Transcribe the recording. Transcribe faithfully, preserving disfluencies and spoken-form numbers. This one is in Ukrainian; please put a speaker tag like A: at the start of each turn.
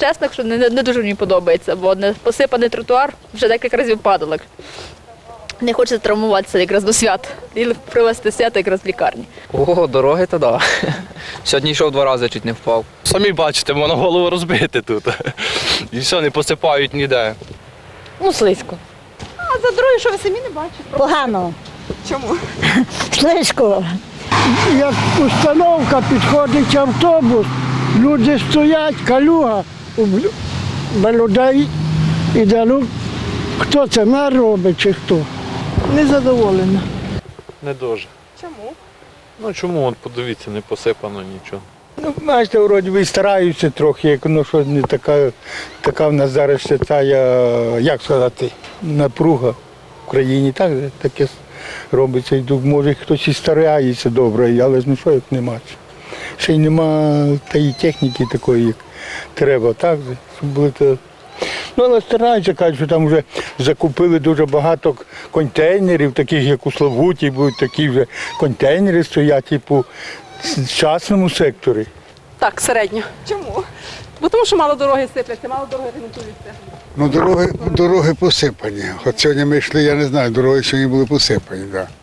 A: чесно, що не, не дуже мені подобається, бо не посипаний тротуар вже декілька разів падалок. Не хочеться травмуватися якраз до свят і привезти свято якраз в лікарні.
B: О, дороги то да. Сьогодні йшов два рази, чуть не впав.
C: Самі бачите, воно голову розбите тут. І все, не посипають ніде.
D: Ну, слизько.
E: А за дороги, що ви самі не бачите?
D: Погано.
E: Чому?
D: Слизько.
F: Як установка, підходить автобус, люди стоять, калюга, без людей іде. Ну, хто це, мер робить чи хто? Незадоволена.
G: Не дуже.
E: Чому?
G: Ну чому, от подивіться, не посипано нічого.
H: Ну, бачите, вроді би стараються трохи, як ну що не така, така в нас зараз ще ця, як сказати, напруга в країні, так, таке робиться. І може хтось і старається добре, але ж ну що, як нема. Ще й нема тієї техніки такої, як треба, так, щоб були то. Ну, але стараються, кажуть, що там вже закупили дуже багато контейнерів, таких як у Славуті, будуть такі вже контейнери стоять, типу, в частному секторі.
E: Так, середньо. Чому? Бо тому що мало дороги сипляться, мало дороги ремонтуються.
I: Ну, дороги, дороги посипані. От сьогодні ми йшли, я не знаю, дороги сьогодні були посипані, так. Да.